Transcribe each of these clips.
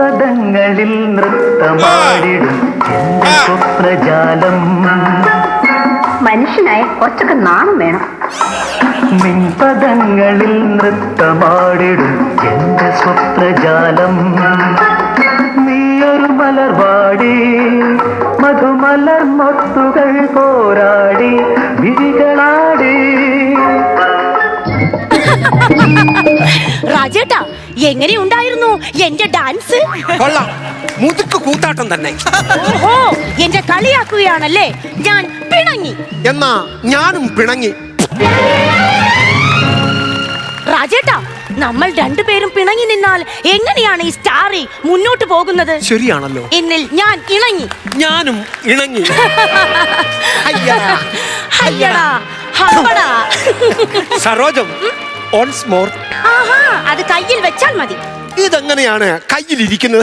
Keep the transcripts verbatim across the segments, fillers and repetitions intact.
മിൻപദങ്ങളിൽ നൃത്തമാടിടും എന്റെ സ്വപ്നജാലം. മനുഷ്യനായ കുറച്ചൊക്കെ നാണം വേണം. മിൻപദങ്ങളിൽ നൃത്തമാടിടും എന്റെ സ്വപ്നജാലം. നീയൊരു മലർവാടി മധുമലർ മൊട്ടുകൾ പോരാടി വിരികളാടി. രാജേട്ടാ, എങ്ങനെയുണ്ടായിരുന്നു എന്റെ ഡാൻസ്? കൊള്ളാം, മുതുക്ക് കൂത്താട്ടം തന്നെ. ഓഹോ, എന്റെ കളിയാക്കുകയാണല്ലേ? ഞാൻ പിണങ്ങി. എന്നാ ഞാനും പിണങ്ങി. രാജേട്ടാ, നമ്മൾ രണ്ടുപേരും പിണങ്ങി നിന്നാൽ എങ്ങനെയാണ് ഈ സ്റ്റാറി മുന്നോട്ട് പോകുന്നത്? ശരിയാണല്ലോ. എന്നിൽ ഞാൻ ഇണങ്ങി. ഞാനും ഇണങ്ങി. അയ്യടാ, ഹമ്പടാ. സരോജം, once more. ആഹാ, അത് കയ്യിൽ വെച്ചാൽ മതി. ഇതെങ്ങനെയാണ് കയ്യിലിരിക്കുന്നത്?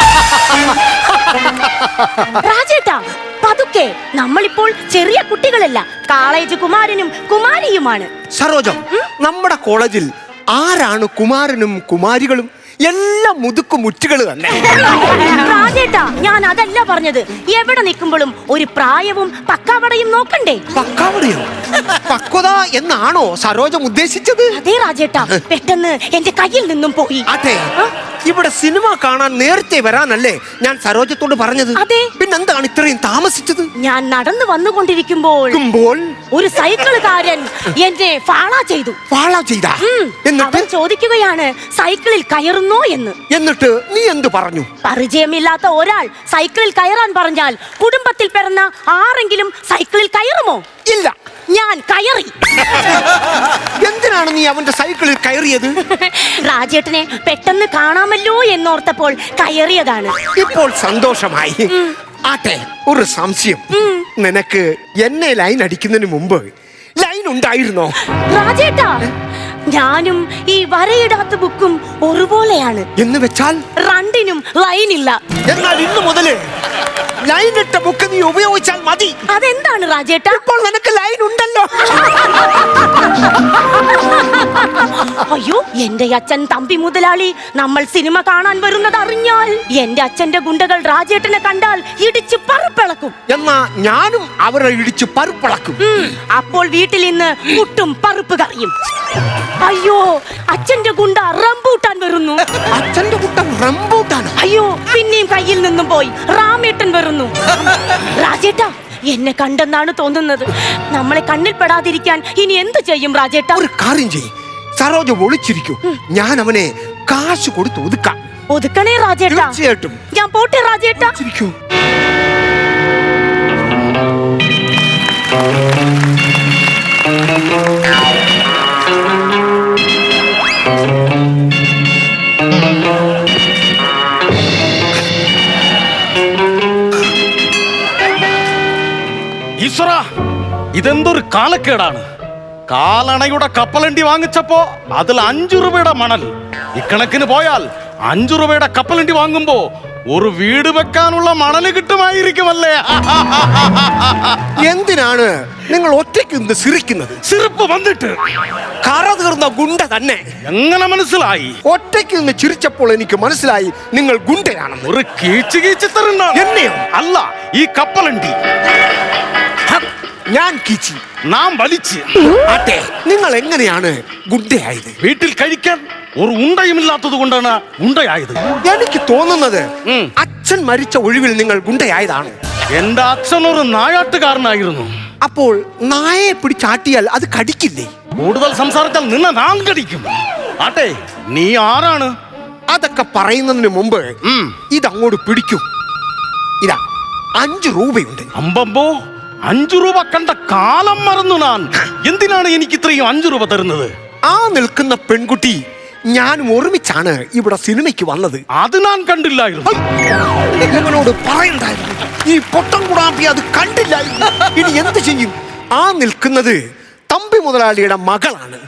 രാജേട്ടാ, പതുക്കെ. നമ്മളിപ്പോൾ ചെറിയ കുട്ടികളല്ല, കോളേജ് കുമാരനും കുമാരിയുമാണ്. സരോജം, നമ്മുടെ കോളേജിൽ ആരാണ് കുമാരനും കുമാരികളും? എല്ലാം മുതുക്കു മുറ്റുകൾ തന്നെ. രാജേട്ടാ, ഞാൻ അതല്ല പറഞ്ഞത്. എവിടെ നിൽക്കുമ്പോഴും ഒരു പ്രായവും പക്കാവടയും നോക്കണ്ടേ? പക്കാവടയോ? പക്വത എന്നാണോ സരോജം ഉദ്ദേശിച്ചത്? അതെ രാജേട്ടാ, പെട്ടെന്ന് എന്റെ കയ്യിൽ നിന്നും പോയി. അതെ, ഇവിടെ സിനിമ കാണാൻ നേരത്തെ വരാനല്ലേ ഞാൻ സരോജത്തോട് പറഞ്ഞത്? അതെ. പിന്നെന്താണ് ഇത്രയും താമസിച്ചത്? ഞാൻ നടന്നു വന്നുകൊണ്ടിരിക്കുമ്പോൾ ഒരു സൈക്കിളുകാരൻ എന്നെ ഫാളോ ചെയ്തു. ഫാളോ ചെയ്താ? അവൻ ചോദിക്കുകയാണ് സൈക്കിളിൽ കയറുന്നോ എന്ന്. എന്നിട്ട് നീ എന്തു പറഞ്ഞു? പരിചയമില്ലാത്ത ഒരാൾ സൈക്കിളിൽ കയറാൻ പറഞ്ഞാൽ കുടുംബത്തിൽ പിറന്ന ആരെങ്കിലും സൈക്കിളിൽ കയറുമോ? ഇല്ല. ഞാൻ കയറി. എന്തിനാണ് നീ അവന്റെ സൈക്കിളിൽ കയറിയത്? രാജേട്ടനെ പെട്ടെന്ന് കാണാമല്ലോ എന്നോർത്തപ്പോൾ കയറിയതാണ്. ഇപ്പോൾ സന്തോഷമായി. ആട്ടെ, ഒരു സംശയം. നിനക്ക് എന്നെ ലൈൻ അടിക്കുന്നതിന് മുമ്പ് ലൈൻ ഉണ്ടായിരുന്നോ? രാജേട്ടാ, ഞാനും ഈ വരയിടാത്ത ബുക്കും ഒരുപോലെയാണ്. എന്ന് വെച്ചാൽ രണ്ടിനും ലൈനില്ല. എന്നാൽ ഇന്നു മുതല് ലൈൻ ഇട്ട ബുക്ക് നീ ഉപയോഗിച്ചാൽ മതി. അതെന്താണ് രാജേട്ടാ? ഇപ്പോൾ നിനക്ക് ലൈൻ ഉണ്ടല്ലോ. അയ്യോ, എന്റെ അച്ഛൻ തമ്പി മുതലാളി നമ്മൾ സിനിമ കാണാൻ വരുന്നത് അറിഞ്ഞാൽ എന്റെ അച്ഛന്റെ ഗുണ്ടകൾ രാജേട്ടനെ കണ്ടാൽ ഇടിച്ച് പറുപ്പിളക്കും. എന്നാ ഞാനും അവരെ ഇടിച്ച് പറുപ്പിളക്കും. അപ്പോൾ വീട്ടിൽ നിന്ന് പുട്ടും പറുപ്പ് കറിയും. അയ്യോ, അച്ഛന്റെ ഗുണ്ട റംബൂട്ടാൻ വരുന്നു. അച്ഛന്റെ കുട്ടൻ റംബൂട്ടാൻ? അയ്യോ, പിന്നെയും കയ്യിൽ നിന്നും പോയി റാമേട്ടൻ വരുന്നു. രാജേട്ടാ, എന്നെ കണ്ടെന്നാണ് തോന്നുന്നത്. നമ്മളെ കണ്ണിൽ പെടാതിരിക്കാൻ ഇനി എന്ത് ചെയ്യും രാജേട്ടാ? ഒരു കാര്യം ചെയ്യ്, സരോജ ഒളിച്ചിരിക്കൂ. ഞാൻ അവനെ കാശ് കൊടുത്ത് ഒതുക്കാം. ഒതുക്കണേ രാജേട്ടാ. തീർച്ചയായിട്ടും. ഞാൻ പോട്ടെ രാജേട്ടാ. ചിരിക്കൂ. ഈശ്വര, ഇതെന്തൊരു കാലക്കേടാണ്. കാലണയുടെ കപ്പലണ്ടി വാങ്ങിച്ചപ്പോ അതിൽ അഞ്ചു രൂപയുടെ മണൽ. ഇക്കണക്കിന് പോയാൽ അഞ്ചു രൂപയുടെ കപ്പലണ്ടി വാങ്ങുമ്പോ ഒരു വീട് വെക്കാനുള്ള മണല് കിട്ടുമായിരിക്കുമല്ലേ? എന്തിനാണ് നിങ്ങൾ ഒറ്റയ്ക്ക് നിന്ന് സിരിക്കുന്നത്? സിറിപ്പ് വന്നിട്ട് കറ തീർന്ന ഗുണ്ട തന്നെ. എങ്ങനെ മനസ്സിലായി? ഒറ്റയ്ക്ക് നിന്ന് ചിരിച്ചപ്പോൾ എനിക്ക് മനസ്സിലായി നിങ്ങൾ ഗുണ്ടയാണെന്ന്. ഒരു കീച്ചു കീച്ചു തരുന്ന എന്നെയോ? അല്ല, ഈ കപ്പലണ്ടി ഞാൻ കീച്ചി, നാം വലിച്ച്. ആട്ടെ, നിങ്ങൾ എങ്ങനെയാണ് ഗുണ്ടയായത്? വീട്ടിൽ കഴിക്കാൻ ഒരു ഉണ്ടയുമില്ലാത്തത് കൊണ്ടാണ് ഉണ്ടയായത്. എനിക്ക് തോന്നുന്നത് അച്ഛൻ മരിച്ച ഒഴിവിൽ നിങ്ങൾ ഗുണ്ടയായതാണ്. എന്റെ അച്ഛൻ ഒരു നായാട്ടുകാരനായിരുന്നു. അപ്പോൾ നായയെ പിടിച്ചാട്ടിയാൽ അത് കടിക്കില്ലേ? കൂടുതൽ സംസാരിച്ചാൽ നിന്നെ നാം കടിക്കും. ആട്ടെ, നീ ആരാണ്? അതൊക്കെ പറയുന്നതിന് മുമ്പ് ഇതങ്ങോട്ട് പിടിക്കൂ. ഇതാ അഞ്ചു രൂപയുണ്ട്. അമ്പമ്പോ, അഞ്ചു രൂപ കണ്ട കാലം മറന്നു ഞാൻ. എന്തിനാണ് എനിക്ക് ഇത്രയും അഞ്ചു രൂപ തരുന്നത്? ആ നിൽക്കുന്ന പെൺകുട്ടി ഞാനും ഒരുമിച്ചാണ് ഇവിടെ സിനിമയ്ക്ക് വന്നത്. അത് ഞാൻ കണ്ടില്ലായിരുന്നു. ഇവനോട് പറയണ്ടായിരുന്നു. ഈ പൊട്ടം കുടാപ്പി അത് കണ്ടില്ലായിരുന്നു. ഇനി എന്ത് ചെയ്യും? ആ നിൽക്കുന്നത് തമ്പി മുതലാളിയുടെ മകളാണ്.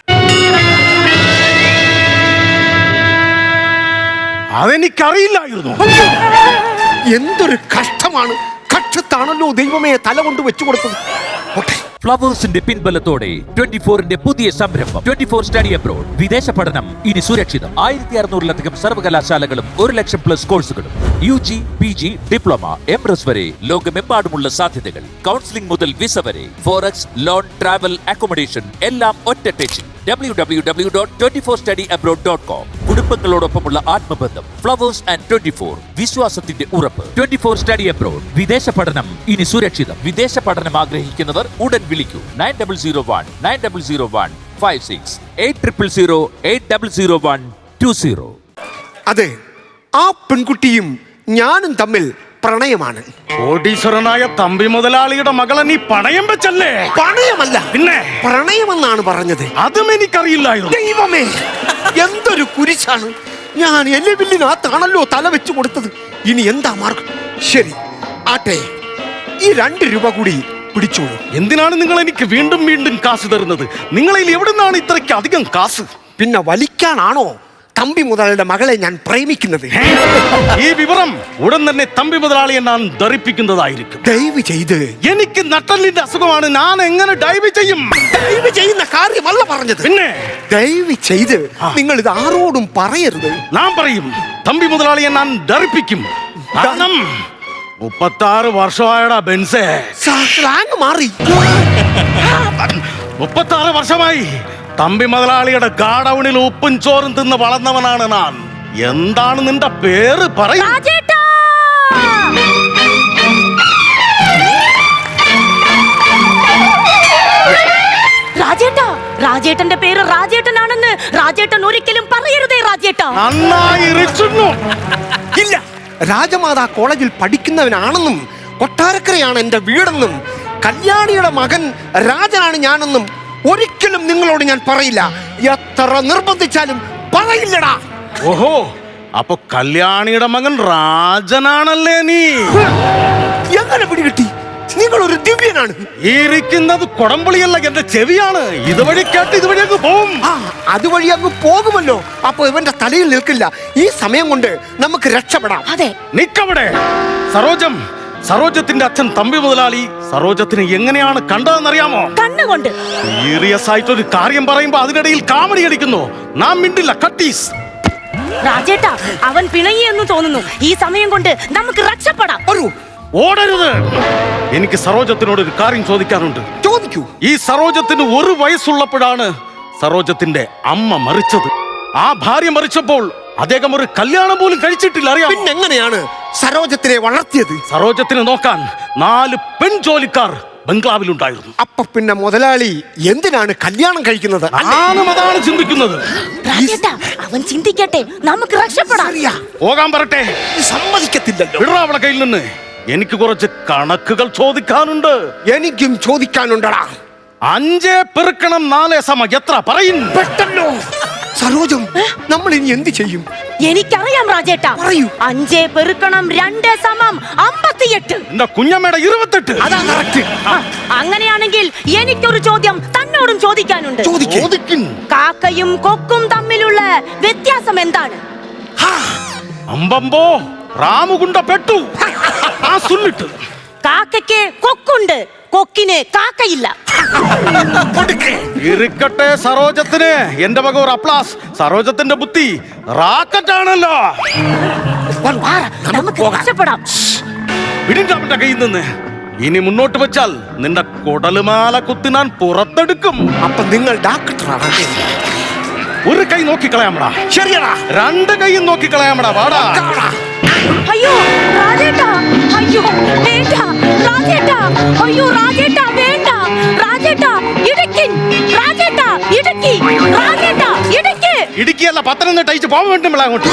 അതെനിക്കറിയില്ലായിരുന്നു. എന്തൊരു കഷ്ടമാണ്. കട്ട് മുറ്റത്താണല്ലോ ദൈവമേ തല കൊണ്ട് വെച്ചു കൊടുത്തത്. പോട്ടെ. ഫ്ലവേഴ്സിന്റെ പിൻബലത്തോടെ ട്വന്റി ഫോറിന്റെ പുതിയ സംരംഭം ട്വന്റി ഫോർ സ്റ്റഡി അബ്രോഡ്. വിദേശ പഠനം ഇനി സുരക്ഷിതം. ആയിരത്തി അറുന്നൂറിലധികം സർവകലാശാലകളും ഒരു ലക്ഷം പ്ലസ് കോഴ്സുകളും U G, P G, diploma, M S വരെ ലോകമെമ്പാടുമുള്ള സാധ്യതകൾ. കൗൺസിലിംഗ് മുതൽ വിസ വരെ, ഫോറക്സ്, ലോൺ, ട്രാവൽ, അക്കോമഡേഷൻ എല്ലാം ഒറ്റ ടെച്ചിൽ. W W W dot twenty four study abroad dot com. കുടുംബങ്ങളോടൊപ്പമുള്ള ആത്മബന്ധം. ഫ്ലവേഴ്സ് ആൻഡ് ട്വന്റി ഫോർ, വിശ്വാസത്തിന്റെ ഉറപ്പ്. Twenty four study abroad. വിദേശ പഠനം ഇനി സുരക്ഷിതം. വിദേശ പഠനം ആഗ്രഹിക്കുന്നവർ ഉടൻ വിളിക്കൂ. Nine double zero one nine double zero one five six eight triple zero eight double zero one two zero. അതെ, ആ പെൺകുട്ടിയും ഞാനും തമ്മിൽ പ്രണയമാണ്. കോടീശ്വരനായ തമ്പി മുതലാളിയുടെ മകളെ നീ പണയം വെച്ചല്ലേ? പ്രണയമല്ല, പിന്നെ പ്രണയമെന്നാണ് പറഞ്ഞത്. അതും എനിക്കറിയില്ലായിരുന്നു. ദൈവമേ, എന്തൊരു കുരിശാണ്. ഞാൻ എല്ലുവില്ലിനകത്താണല്ലോ തല വെച്ചു കൊടുത്തത്. ഇനി എന്താ മാർഗം? ശരി ആട്ടെ, ഈ രണ്ട് രൂപ കൂടി പിടിച്ചോളൂ. എന്തിനാണ് നിങ്ങൾ എനിക്ക് വീണ്ടും വീണ്ടും കാശ് തരുന്നത്? നിങ്ങളിൽ എവിടുന്നാണ് ഇത്രയ്ക്ക് അധികം കാശ്? പിന്നെ വലിക്കാനാണോ തമ്പി മുതലാളിയുടെ മകളെ ഞാൻ പ്രേമിക്കുന്നത്? ഈ വിവരം ഉടൻ തന്നെ തമ്പി മുതലാളിയെ ഞാൻ ധരിപ്പിക്കുന്നതായിരിക്കും. ദയവ് ചെയ്ത്. എനിക്ക് നട്ടലിന്റെ അസുഖമാണ്, ഞാൻ എങ്ങനെ ഡൈവ് ചെയ്യും? ദയവ് ചെയ്യുന്ന കാര്യമല്ല പറഞ്ഞത്. പിന്നെ ദയവ് ചെയ്ത് നിങ്ങൾ ഇത് ആരോടും പറയരുത്. ഞാൻ പറയും, തമ്പി മുതലാളിയെ ഞാൻ ധരിപ്പിക്കും. കാരണം മുപ്പത്താറ് വർഷമായടാ ബെൻസേ. സ്ലാങ് മാറി. മുപ്പത്താറ് വർഷമായി തമ്പി മുതലാളിയുടെ ഗാഡൌണിൽ ഉപ്പും ചോറും തിന്ന് വളർന്നവനാണ് ഞാൻ. എന്താണ് നിന്റെ പേര്? പറയും. രാജേട്ടാ! രാജേട്ടാ, രാജേട്ടന്റെ പേര് രാജേട്ടനാണെന്ന് രാജേട്ടൻ ഒരിക്കലും പറയരുതേ രാജേട്ടാ. നന്നായി ഇരിച്ചുന്നു. ഇല്ല, രാജമാതാ കോളേജിൽ പഠിക്കുന്നവനാണെന്നും കൊട്ടാരക്കരയാണ് എന്റെ വീടെന്നും കല്യാണിയുടെ മകൻ രാജനാണ് ഞാനെന്നും ഒരിക്കലും നിങ്ങളോട് ഞാൻ പറയില്ല. എത്ര നിർബന്ധിച്ചാലും പറയില്ലടാ. ഓഹോ, അപ്പൊ കല്യാണിയുടെ മകൻ രാജനാണല്ലേ നീ? എങ്ങനെ പിടികിട്ടി? നിങ്ങൾ ഒരു ദിവ്യനാണ്. ഈ ഇരിക്കുന്നത് കൊടംപുളിയല്ല, എന്റെ ചെവിയാണ്. ഇതുവഴി കേട്ട് ഇതുവഴി അങ്ങ് പോവും. ആ, അതുവഴി അങ്ങ് പോകുമല്ലോ. അപ്പൊ ഇവന്റെ തലയിൽ നിൽക്കില്ല. ഈ സമയം കൊണ്ട് നമുക്ക് രക്ഷപ്പെടാം. അതെ, നിക്കവിടെ. സരോജം, സരോജത്തിന്റെ അച്ഛൻ തമ്പി മുതലാളി സരോജത്തിനെ എങ്ങനെയാണ് കണ്ടതെന്നറിയാമോ? കണ്ണുകൊണ്ട്. സീരിയസ് ആയിട്ട് ഒരു കാര്യം പറയുമ്പോ അതിനിടയിൽ കാമഡി അടിക്കുന്നു. നാം മിണ്ടില്ല, കട്ടീസ്. രാജേട്ടാ, അവൻ പിണങ്ങിയെന്ന് തോന്നുന്നു. ഈ സമയം കൊണ്ട് നമുക്ക് രക്ഷപ്പെടാം. ഒരു ഓടരുത്. എനിക്ക് സരോജത്തിനോട് ഒരു കാര്യം ചോദിക്കാനുണ്ട്. ചോദിക്കൂ. ഈ സരോജത്തിന് ഒരു വയസ്സുള്ളപ്പോഴാണ് സരോജത്തിന്റെ അമ്മ മരിച്ചത്. ആ ഭാര്യ മരിച്ചപ്പോൾ അദ്ദേഹം ഒരു കല്യാണം പോലും കഴിച്ചിട്ടില്ല, അറിയാം? പിന്നെ എങ്ങനെയാണ് സരോജത്തിനെ വളർത്തിയത്? സരോജത്തിനെ നോക്കാൻ നാല് പെൺജോലിക്കാർ ബംഗ്ലാവിലുണ്ടായിരുന്നു. അപ്പൊ പിന്നെ മുതലാളി എന്തിനാണ് കല്യാണം കഴിക്കുന്നത്? ഞാനും അതാണ് ചിന്തിക്കുന്നത്. രാജേട്ടാ, അവൻ ചിന്തിക്കട്ടെ, നമുക്ക് രക്ഷപ്പെടാം. അറിയാ, പോകാൻ പറട്ടെ. സമ്മതിക്കത്തില്ലല്ലോ. വിടറാ അവളെ കയ്യിൽ നിന്ന്. എനിക്ക് കുറച്ച് കണക്കുകൾ ചോദിക്കാനുണ്ട്. എനിക്കും ചോദിക്കാനുണ്ടടാ. അഞ്ചേ പെറുക്കണം നാലേ സമ എത്ര? പറയും പെട്ടല്ലോ. സരോജം, നമ്മൾ ഇനി എന്ത് ചെയ്യും? എനിക്കറിയാം രാജേട്ടാ. പറയൂ. അഞ്ചേ പെറുക്കണം രണ്ട് സമം അമ്പത്തിയെട്ട്. എന്റെ കുഞ്ഞമ്മയുടെ ഇരുപത്തെട്ട്. അതാ കറക്റ്റ്. ആ, അങ്ങനെയാണെങ്കിൽ എനിക്കൊരു ചോദ്യം തന്നോടും ചോദിക്കാനുണ്ട്. ചോദിക്ക്. ചോദിക്കും. കാക്കയും കൊക്കും തമ്മിലുള്ള വ്യത്യാസം എന്താണ്? അമ്പമ്പോ റാമുകുണ്ട പെട്ടു. ആ സുല്ലിട്ട്. കാക്കയ്ക്ക് കൊക്കുണ്ട്, കൊക്കിന് കാക്കയില്ല. ഇരിക്കട്ടെ സരോജത്തിന് എന്റെ വക ഒരു അപ്ലാസ്. സരോജത്തിന്റെ ബുദ്ധി റാക്കറ്റാണല്ലോ. വാ, നമുക്ക് രക്ഷപ്പെടാം. പിടിന്റെ അവന്റെ കയ്യിൽ നിന്ന്. ഇനി മുന്നോട്ട് വെച്ചാൽ നിന്റെ കുടലുമാല കുത്തി ഞാൻ പുറത്തെടുക്കും. അപ്പൊ നിങ്ങൾ ഡാക്ടറാണ്. ഒരു കൈ നോക്കിക്കളയാമടാ. ശരിയടാ. രണ്ട് കൈയും നോക്കിക്കളയാമടാ. വാടാ. അയ്യോ രാജേട്ടാ, അയ്യോ വേണ്ട രാജേട്ടാ, അയ്യോ രാജേട്ടാ വേണ്ട രാജേട്ടാ, ഇടുക്കിൻ രാജേട്ടാ, ഇടുക്കി രാജേട്ടാ, ഇടുക്കി. ഇടുക്കിയല്ല, പത്തനംതിട്ട അയച്ച് പോകാൻ വേണ്ടി അങ്ങോട്ട്.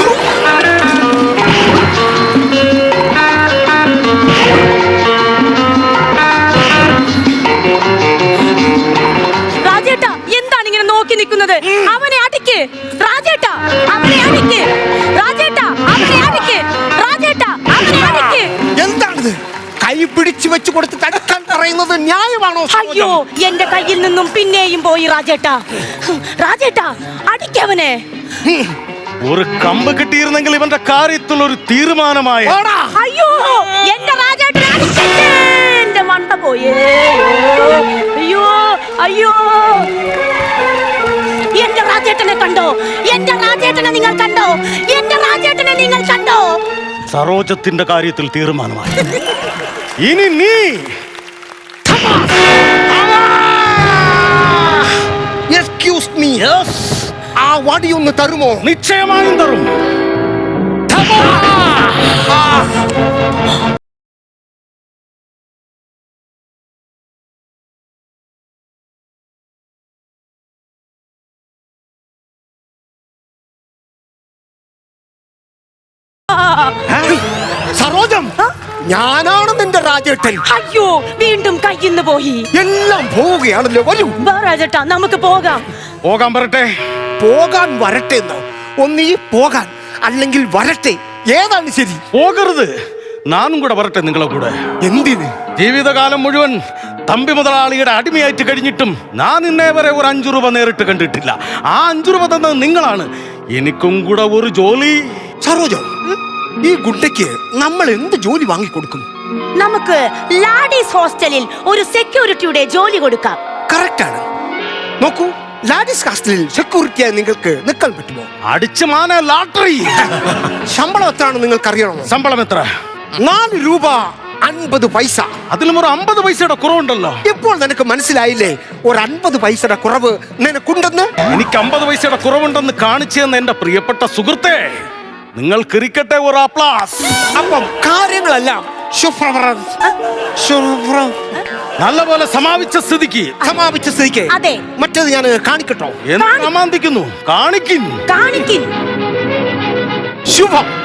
രാജേട്ടാ, എന്താണ് ഇങ്ങനെ നോക്കി നിൽക്കുന്നത്? അവനെ അടിക്ക് രാജേട്ടാ, അവനെ അടിക്ക് രാജേട്ടാ, അവനെ അടിക്ക് രാജേട്ടാ, അവനെ അടിക്ക്. എന്താണിത്? കൈ പിടിച്ചു വെച്ച് കൊടുത്ത് തടുക്കാൻ പറയുന്നത് ന്യായമാണോ? അയ്യോ, എന്റെ കയ്യിൽ നിന്നും പിന്നെയും പോയി രാജേട്ടാ. രാജേട്ടാ, അടിക്കവനെ. ഒരു കമ്പ് കിട്ടിയിരുന്നെങ്കിൽ ഇവന്റെ കാര്യത്തിൽ ഒരു തീരുമാനമായി. അയ്യോ എന്റെ രാജേട്ടനെ അടിക്കല്ലേ. എന്റെ മണ്ട പോയേ. അയ്യോ അയ്യോ എന്റെ രാജേട്ടനെ കണ്ടോ? എന്റെ രാജേട്ടനെ നിങ്ങൾ കണ്ടോ? എന്റെ രാജേട്ടനെ നിങ്ങൾ കണ്ടോ? സരോജത്തിന്റെ കാര്യത്തിൽ തീരുമാനമായി. ഇനി നീ എക്സ്ക്യൂസ് മീ, ആ വടി ഒന്ന് തരുമോ? നിശ്ചയമായും തരും. സരോജം, ഞാനാണ് നിന്റെ രാജേട്ടൻ. അയ്യോ വീണ്ടും കയ്യിന്ന് പോയി. എല്ലാം പോവുകയാണല്ലോ. വരൂ വാ രാജേട്ടാ നമുക്ക് പോകാം. പോകാൻ വരട്ടെ. പോകാൻ വരട്ടെ എന്നോ? ഒന്നീ പോകാൻ അല്ലെങ്കിൽ വരട്ടെ, ഏതാണ് ശരി? പോകരുത്, നാനും കൂടെ വരട്ടെ നിങ്ങളെ കൂടെ. എന്തിന്? ജീവിതകാലം മുഴുവൻ തമ്പി മുതലാളിയുടെ അടിമയായിട്ട് കഴിഞ്ഞിട്ടും ഞാൻ ഇന്നേ വരെ ഒരു അഞ്ചു രൂപ നേരിട്ട് കണ്ടിട്ടില്ല. ആ അഞ്ചു രൂപ തന്നത് നിങ്ങളാണ്. എനിക്കും കൂടെ ഒരു ജോലി. സരോജം, ഈ ഗുണ്ടയ്ക്ക് നമ്മൾ എന്ത് ജോലി വാങ്ങിക്കൊടുക്കും? നമുക്ക് ലാഡീസ് ഹോസ്റ്റലിൽ ഒരു സെക്യൂരിറ്റിയുടെ ജോലി കൊടുക്കാം. കറക്റ്റ് ആണ്. നോക്കൂ, ലാഡീസ് ഹോസ്റ്റലിൽ സെക്യൂരിറ്റിയായി നിങ്ങൾക്ക് നിൽക്കാൻ പറ്റുമോ? അടിച്ചു മാന ലാട്ടറി. ശമ്പളം എത്രയാണ് നിങ്ങൾക്ക് അറിയണമോ? ശമ്പളം എത്ര? നാല് രൂപ അൻപത് പൈസ. അതിലും ഒരു അമ്പത് പൈസയുടെ കുറവുണ്ടല്ലോ. ഇപ്പോൾ നിനക്ക് മനസ്സിലായില്ലേ ഒരു അൻപത് പൈസയുടെ കുറവ് നിനക്കുണ്ടെന്ന്? എനിക്ക് അമ്പത് പൈസയുടെ കുറവുണ്ടെന്ന് കാണിച്ചു തന്ന എന്റെ പ്രിയപ്പെട്ട സുഹൃത്തെ, നിങ്ങൾ കിരിക്കട്ടെ ഒരു അപ്ലാസ്. അപ്പം കാര്യങ്ങളെല്ലാം ശുഭ്ര- ശുഭ്ര- നല്ലപോലെ സമാപിച്ച സ്ഥിതിക്ക് സമാപിച്ച സ്ഥിതിക്ക് അതെ. മറ്റേത് ഞാൻ കാണിക്കട്ടോ? എന്ത് സമാന്തിക്കുന്നു? കാണിക്കും. കാണിക്കും. ശുഭം.